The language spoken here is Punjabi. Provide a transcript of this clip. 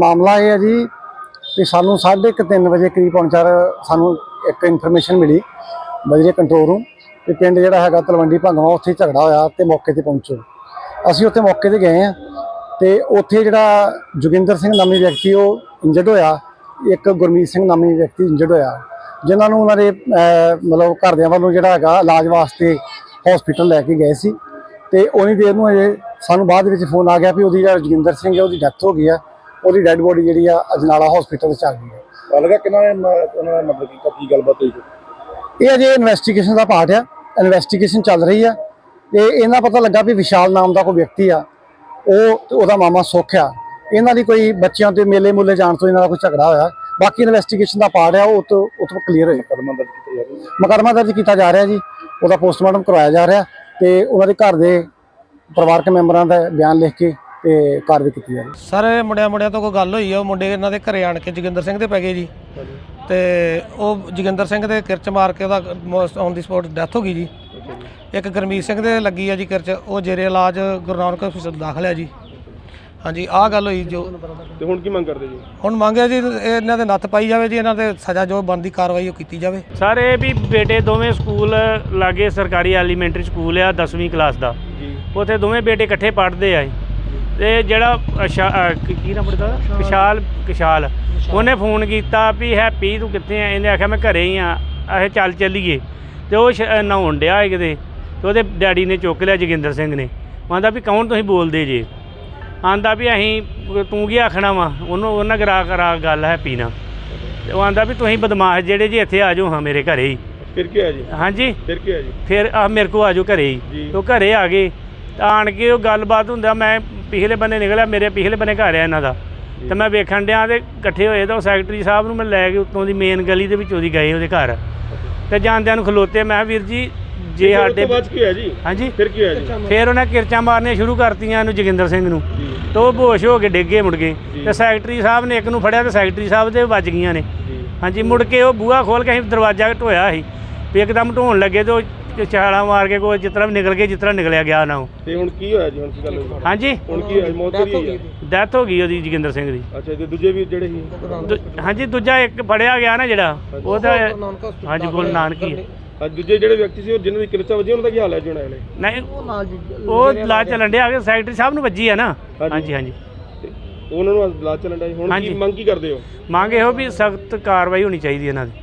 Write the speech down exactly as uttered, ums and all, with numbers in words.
मामला ये है जी कि सानू साढ़े क तीन बजे करीब पौने चार सानू एक इन्फॉर्मेशन मिली बजरे कंट्रोल रूम कि पिंड जिहड़ा हैगा तलवंडी भंगवा उत्थे झगड़ा होया ते मौके ते पहुंचो। असीं उत्थे मौके ते गए हैं ते उत्थे जिहड़ा जोगिंदर सिंह नामी व्यक्ति वो इंजर्ड होया, एक गुरमीत सिंह नामी व्यक्ति इंजर्ड होया, जिन्हां नूं उन्हां दे मतलब घरदियां वालों जिहड़ा हैगा इलाज वास्ते हॉस्पिटल लैके गए सी ते उन्नी देर नूं अजे सानू बाद विच फोन आ गया भी उहदी जिहड़ा जोगिंदर सिंह है उहदी डैथ हो गई है, उहदी डैड बॉडी जिहड़ी आ अजनाला हॉस्पिटल च आ गई है। लगा किन्ना ने उन्होंने मतलब की की गलबात हुई? ये अजे इन्वेस्टिगेशन का पार्ट है, इन्वेस्टिगेशन चल रही है। तो इन्ना पता लगा भी विशाल नाम का कोई व्यक्ति आ वो मामा सुख आ, इन्हों की कोई बच्चों के मेले मूले जान तो इन्हों का कोई झगड़ा होया। बाकी इन्वेस्टिगेशन का पार्ट है वो तो उतो क्लीयर हो मुकदमा दर्ज किया जा रहा है जी, वो पोस्टमार्टम करवाया जा रहा है तो उन्होंने घर के परिवारक मैंबरों का बयान लिख के ਤੇ ਕਾਰਵਾਈ ਕੀਤੀ ਜਾ ਰਹੀ। ਸਰ ਮੁੰਡਿਆਂ ਮੁੰਡਿਆਂ ਤੋਂ ਕੋਈ ਗੱਲ ਹੋਈ ਆ, ਉਹ ਮੁੰਡੇ ਇਹਨਾਂ ਦੇ ਘਰੇ ਆਣ ਕੇ ਜੋਗਿੰਦਰ ਸਿੰਘ ਦੇ ਪੈ ਗਏ ਜੀ ਤੇ ਉਹ ਜੋਗਿੰਦਰ ਸਿੰਘ ਦੇ ਕਿਰਚ ਮਾਰ ਕੇ ਉਹਦਾ ਔਨ ਦੀ ਸਪੋਟ ਡੈਥ ਹੋ ਗਈ ਜੀ। ਇੱਕ ਗੁਰਮੀਤ ਸਿੰਘ ਦੇ ਲੱਗੀ ਆ ਜੀ ਕਿਰਚ, ਉਹ ਜੇਰੇ ਇਲਾਜ ਗੁਰੂ ਨਾਨਕ ਹਸਪਤਾਲ ਦਾਖਲ ਆ ਜੀ। ਹਾਂਜੀ ਆਹ ਗੱਲ ਹੋਈ ਜੋ ਤੇ ਹੁਣ ਕੀ ਮੰਗ ਕਰਦੇ ਜੀ? ਹੁਣ ਮੰਗਿਆ ਜੀ ਇਹਨਾਂ ਦੇ ਨੱਥ ਪਾਈ ਜਾਵੇ ਜੀ, ਇਹਨਾਂ ਦੇ ਸਜ਼ਾ ਜੋ ਬਣਦੀ ਕਾਰਵਾਈ ਉਹ ਕੀਤੀ ਜਾਵੇ। ਸਰ ਇਹ ਵੀ ਬੇਟੇ ਦੋਵੇਂ ਸਕੂਲ ਲਾਗੇ ਸਰਕਾਰੀ ਐਲੀਮੈਂਟਰੀ ਸਕੂਲ ਆ ਦਸਵੀਂ ਕਲਾਸ ਦਾ, ਉੱਥੇ ਦੋਵੇਂ ਬੇਟੇ ਇਕੱਠੇ ਪੜ੍ਹਦੇ ਆ ਤੇ ਜਿਹੜਾ ਕੀ ਨਾਮ ਪੜਦਾ ਵਿਸ਼ਾਲ ਵਿਸ਼ਾਲ ਉਹਨੇ ਫੋਨ ਕੀਤਾ ਵੀ ਹੈਪੀ ਤੂੰ ਕਿੱਥੇ ਆ? ਇਹਨੇ ਆਖਿਆ ਮੈਂ ਘਰੇ ਹੀ ਆ, ਇਹ ਚੱਲ ਚੱਲੀਏ। ਤੇ ਉਹ ਨਹਾਉਣ ਡਿਆ ਹੈ ਕਿਤੇ ਤੇ ਉਹਦੇ ਡੈਡੀ ਨੇ ਚੁੱਕ ਲਿਆ ਜੋਗਿੰਦਰ ਸਿੰਘ ਨੇ, ਆਂਦਾ ਵੀ ਕੌਣ ਤੁਸੀਂ ਬੋਲਦੇ ਜੇ? ਆਂਦਾ ਵੀ ਅਸੀਂ ਤੂੰ ਕੀ ਆਖਣਾ ਵਾ ਉਹਨੂੰ, ਉਹਨਾਂ ਕਰਾ ਕਰਾ ਗੱਲ ਹੈਪੀ ਨਾਲ। ਤੇ ਉਹ ਆਂਦਾ ਵੀ ਤੁਸੀਂ ਬਦਮਾਸ਼ ਜਿਹੜੇ ਜੀ ਇੱਥੇ ਆ ਜਾਓ ਹਾਂ ਮੇਰੇ ਘਰੇ ਹੀ। ਫਿਰ ਕੀ ਹੋਇਆ ਜੀ? ਹਾਂਜੀ ਫਿਰ ਕੀ ਹੋਇਆ ਜੀ? ਫਿਰ ਆ ਮੇਰੇ ਕੋਲ ਆ ਜਾਓ ਘਰੇ ਹੀ। ਉਹ ਘਰੇ ਆ ਗਏ ਆਣ ਕੇ ਉਹ ਗੱਲਬਾਤ ਹੁੰਦਾ, ਮੈਂ ਪਿਛਲੇ ਬੰਨੇ ਨਿਕਲਿਆ, ਮੇਰੇ ਪਿਛਲੇ ਬੰਨੇ ਘਰ ਆ ਇਹਨਾਂ ਦਾ, ਤੇ ਮੈਂ ਵੇਖਣ ਡਿਆ ਤੇ ਇਕੱਠੇ ਹੋਏ ਤਾਂ ਉਹ ਸੈਕਟਰੀ ਸਾਹਿਬ ਨੂੰ ਮੈਂ ਲੈ ਕੇ ਉੱਤੋਂ ਦੀ ਮੇਨ ਗਲੀ ਦੇ ਵਿੱਚੋਂ ਦੀ ਗਏ ਉਹਦੇ ਘਰ ਤੇ ਜਾਂਦਿਆਂ ਨੂੰ ਖਲੋਤੇ। ਮੈਂ ਵੀਰ ਜੀ ਜੇ ਸਾਡੇ ਕੀ ਹੋਇਆ ਜੀ? ਹਾਂਜੀ ਫਿਰ ਕੀ ਹੋਇਆ ਜੀ? ਫਿਰ ਉਹਨੇ ਕਿਰਚਾਂ ਮਾਰਨੀਆਂ ਸ਼ੁਰੂ ਕਰਤੀਆਂ ਇਹਨੂੰ ਜੋਗਿੰਦਰ ਸਿੰਘ ਨੂੰ, ਤੇ ਉਹ ਬੇਹੋਸ਼ ਹੋ ਕੇ ਡਿੱਗੇ ਮੁੜ ਗਏ ਤੇ ਸੈਕਟਰੀ ਸਾਹਿਬ ਨੇ ਇੱਕ ਨੂੰ ਫੜਿਆ ਤੇ ਸੈਕਟਰੀ ਸਾਹਿਬ ਦੇ ਵੱਜ ਗਈਆਂ ਨੇ। ਹਾਂਜੀ ਮੁੜ ਕੇ ਉਹ ਬੂਹਾ ਖੋਲ੍ਹ ਕੇ ਅਸੀਂ ਦਰਵਾਜ਼ਾ ਢੋਇਆ ਸੀ ਵੀ ਇੱਕਦਮ ਢੋਣ ਲੱਗੇ ਤੇ ਉਹ ਛਾਲਾ ਮਾਰ ਕੇ ਕੋਈ ਜਿਸ ਤਰ੍ਹਾਂ ਵੀ ਨਿਕਲ ਗਏ ਜਿਸ ਤਰ੍ਹਾਂ ਨਿਕਲਿਆ ਗਿਆ ਨਾ। ਉਹ ਤੇ ਹੁਣ ਕੀ ਹੋਇਆ ਜੀ? ਹੁਣ ਕੀ ਗੱਲ ਹੋਈ? ਹਾਂਜੀ ਹੁਣ ਕੀ ਹੋਇਆ? ਮੌਤ ਹੋਈ ਹੈ? ਡੈਥ ਹੋ ਗਈ ਉਹਦੀ ਜੋਗਿੰਦਰ ਸਿੰਘ ਦੀ। ਅੱਛਾ ਤੇ ਦੂਜੇ ਵੀ ਜਿਹੜੇ ਸੀ? ਹਾਂਜੀ ਦੂਜਾ ਇੱਕ ਫੜਿਆ ਗਿਆ ਨਾ ਜਿਹੜਾ ਉਹਦਾ, ਹਾਂਜੀ ਗੁਰੂ ਨਾਨਕ ਹੀ ਅੱਜ ਦੂਜੇ ਜਿਹੜੇ ਵਿਅਕਤੀ ਸੀ ਜਿਹਨਾਂ ਦੀ ਕਿਰਚਾਂ ਵੱਜੀਆਂ ਉਹਨਾਂ ਦਾ ਕੀ ਹਾਲ ਹੈ ਜੀ? ਹੁਣ ਨਹੀਂ ਉਹ ਇਲਾਜ ਚੱਲਣ ਡਿਆ ਕਿ ਸੈਕਟਰੀ ਸਾਹਿਬ ਨੂੰ ਵੱਜੀ ਆ ਨਾ। ਹਾਂਜੀ ਹਾਂਜੀ ਉਹਨਾਂ ਨੂੰ ਇਲਾਜ ਚੱਲਣ ਡਿਆ। ਹੁਣ ਕੀ ਮੰਗ ਕੀ ਕਰਦੇ ਹੋ? ਮੰਗ ਇਹੋ ਵੀ ਸਖਤ ਕਾਰਵਾਈ ਹੋਣੀ ਚਾਹੀਦੀ ਇਹਨਾਂ ਦੀ।